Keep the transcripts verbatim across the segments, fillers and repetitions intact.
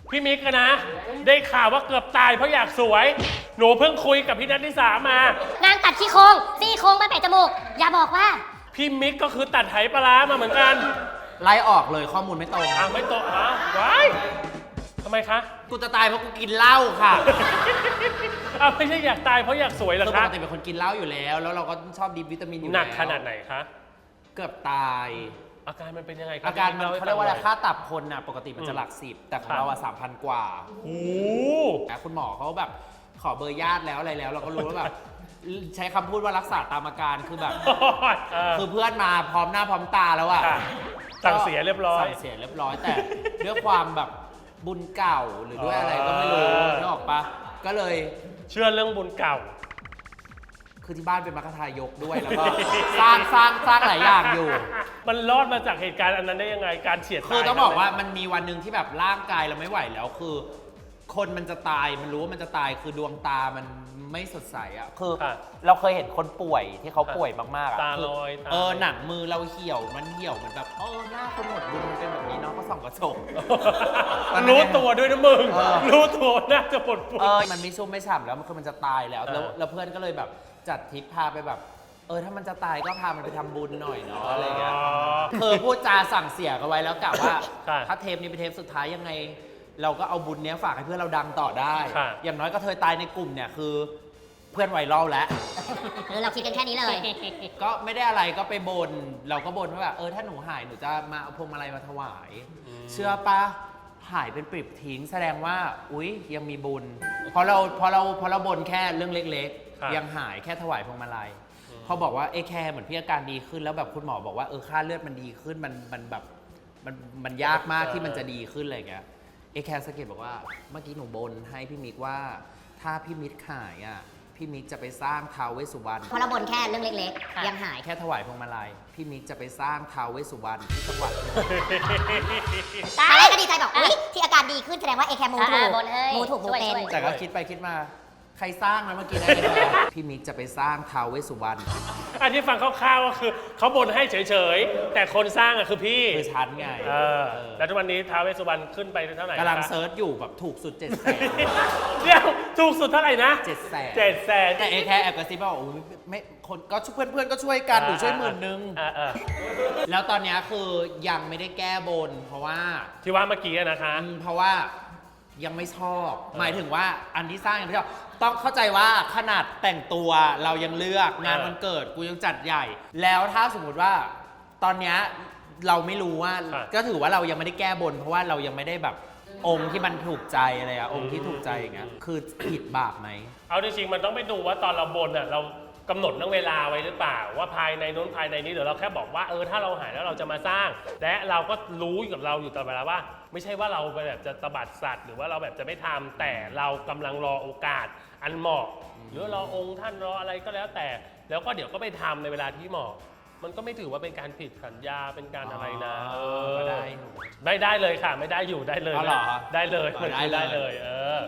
พี่มิกนะ ได้ข่าวว่าเกือบตายเพราะอยากสวย หนูเพิ่งคุยกับพี่นัทนิสามานางตัดขี้โครงซี่โครงไปแปะจมูก อย่าบอกว่าพี่มิกก็คือตัดไหปลาร้ามาเหมือนกันไล่ออกเลยข้อมูลไม่ตรงอ้าวไม่โตะฮะว้ายทำไมคะกูจะตายเพราะกูกินเหล้าค่ะอ้าวไม่ใช่อยากตายเพราะอยากสวยเหรอคือปคะกติเป็นคนกินเหล้าอยู่แล้ว แล้วเราก็ชอบดิบวิตามินอยู่หแล้วนักขนาดไหนคะเกือบตายอาการมันเป็นยังไงคบอาการมันให้เขาเรียกว่าอะไรฟังหน่ค่าตับคนน่ะปกติมันอืจะมหลักสิบแต่ของครับเราอะสามพันกว่าโอ้แต่คุณหมอเขาแบบขอเบอร์ญาติแล้วอะไรแล้ว เราก็รู้ว่าแบบใช้คำพูดว่ารักษาตามอาการคือแบบเออคือเพื่อนมาพร้อมหน้าพร้อมตาแล้วอะค่ะสั่งเสียเรียบร้อยสั่งเสียเรียบร้อยแต่ ด้วยความแบบบุญเก่าหรือด้วยอะไรก็ไม่รู้เออนึกออกปะก็เลยเชื่อเรื่องบุญเก่าคือที่บ้านเป็นมรรคทายกด้วยแล้วก็ สร้างสร้างสร้างหลายอย่างอยู่มันรอดมาจากเหตุการณ์อันนั้นได้ยังไงการเฉียดตายคือต้องบอกว่ามันมีวันหนึ่งที่แบบร่างกายเราไม่ไหวแล้วคือ คนมันจะตายมันรู้ว่ามันจะตายคือดวงตามันไม่สดใสอ่ะคือค่ะเราเคยเห็นคนป่วยที่เขาป่วยมากๆอ่ะตาคืลอยตาเออหนังมือเราเหี่ยวมันเหี่ยวเหมือนแบบเออหน้าคนหมดบุญมันเป็นแบบนี้เนาะก็ส่องกระจกรู้ตัวด้วยนะมึงเออรู้ตัวน่าจะปวดปวดเออมันไม่ชุ่มไม่ฉ่ำแล้วมันคือมันจะตายแล้วแล้วเออแล้วเพื่อนก็เลยแบบจัดทริปพาไปแบบ เออถ้ามันจะตายก็พามันไปทำบุญหน่อยเนาะอะไรเงี้ย คือพูดจาสั่งเสียกันไว้แล้วกะว่าค่ะถ้าเทปนี้เป็นเทปสุดท้ายยังไง เราก็เอาบุญเนี้ยฝากให้เพื่อนเราดังต่อได้ค่ะอย่างน้อยก็เธอตายในกลุ่มเนี่ยคือเพื่อนไวรัลแล้วเออเราคิดกันแค่นี้เลยก็ไม่ได้อะไรก็ไปบน เราก็บนว่าแบบเออถ้าหนูหายหนูจะมาเอาพวงมาลัยมาถวาย เชื่อปะหายเป็นปริบทิ้งแสดงว่าอุ๊ยยังมีบุญเพราะเราเพราะเราเพราะเราบนแค่เรื่องเล็กครับๆ ยังหายแค่ถวายพวงมาลัยพอบอกว่าเอแคร์เหมือนพี่อาการดีขึ้นแล้วแบบคุณหมอบอกว่าเออค่าเลือดมันดีขึ้นมันมันแบบมันมันยากมากที่มันจะดีขึ้นอะไรอย่างเงี้ยเอแคร์สะกิดบอกว่าเมื่อกี้หนูบนให้พี่มิกว่าถ้าพี่มิกหายอ่ะพี่มิกจะไปสร้างท้าวเวสสุวรรณเพราะเราบ่นแค่เรื่องเล็กๆ ยังหายแค่ถวายพวงมาลัยพี่มิกจะไปสร้างท้าวเวสสุวรรณที่จังหวัดตอนแรกก็ดีใจบอกอุ้ยที่อาการดีขึ้นแสดงว่าเอแคมูถูกอ่าบนเอ้ยมูถูกมูช่วยเป็นช่วยแต่ก็คิดไปคิดมาใครสร้างนะเมื่อกี้นะพี่มิกจะไปสร้างท้าวเวสสุวรรณอันที่ฟังคร่าวๆก็คือเขาบ่นให้เฉยๆ แต่คนสร้างอ่ะคือพี่คือชั้นไงเออเออแล้วทุกวันนี้ท้าวเวสสุวรรณขึ้นไปเท่าไหร่กำลังคะเซิร์ชอยู่แบบถูกสุดเจ็ดแสนเดี๋ยวถูกสุดเท่าไหร่นะเจ็ดแสนเจ็ดแสนแต่เอแคร์แอบกระซิบบอกโอ้ยไม่คนก็ช่วยเพื่อนเพื่อนๆก็ช่วยกันหนูช่วยหมื่นนึงอ่าอ่าแล้วตอนเนี้ยคือยังไม่ได้แก้บน เพราะว่าที่ว่าเมื่อกี้อะนะคะอืมเพราะว่ายังไม่ชอบ หมายถึงว่าอันที่สร้างยังไม่ชอบต้องเข้าใจว่าขนาดแต่งตัวเรายังเลือกงานเออวันเกิดกูยังจัดใหญ่ แล้วถ้าสมมุติว่าตอนเนี้ยเราไม่รู้ว่าครับก็ถือว่าเรายังไม่ได้แก้บน เพราะว่าเรายังไม่ได้แบบองค์ที่มันถูกใจอะไรอะองค์ที่ถูกใจอย่างเงี้ยคือผิดบาปไหมเอาจริงๆมันต้องไปดูว่าตอนเราบนอ่ะเรากำหนดเรื่องเวลาไว้หรือเปล่า ว่าภายในนู้นภายในนี้เดี๋ยวเราแค่บอกว่าเออถ้าเราหายแล้วเราจะมาสร้าง และเราก็รู้อยู่กับเราอยู่ตลอดเวลาว่า ไม่ใช่ว่าเราแบบจะตบัดสัตว์ หรือว่าเราแบบจะไม่ทำแต่เรากำลังรอโอกาสอันเหมาะหรือรอองค์ท่านรออะไรก็แล้วแต่ แล้วก็เดี๋ยวก็ไปทำในเวลาที่เหมาะ มันก็ไม่ถือว่าเป็นการผิดสัญญาเป็นการอะไรนะอ๋อเออก็ได้ไม่ได้เลยค่ะ ไม่ได้อยู่ได้เลยอ๋อเหรอนะได้เลยอ๋อได้เลยได้เลย เออ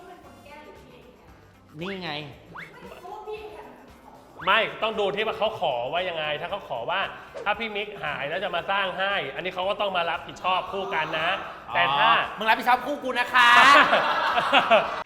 นี่ไงไม่ต้องดูที่ว่าเขาขอว่ายังไง ถ้าเขาขอว่าถ้าพี่มิกหายแล้วจะมาสร้างให้ อันนี้เขาก็ต้องมารับผิดชอบคู่กันนะ แต่ถ้าอ๋อมึงรับผิดชอบคู่กูนะคะถ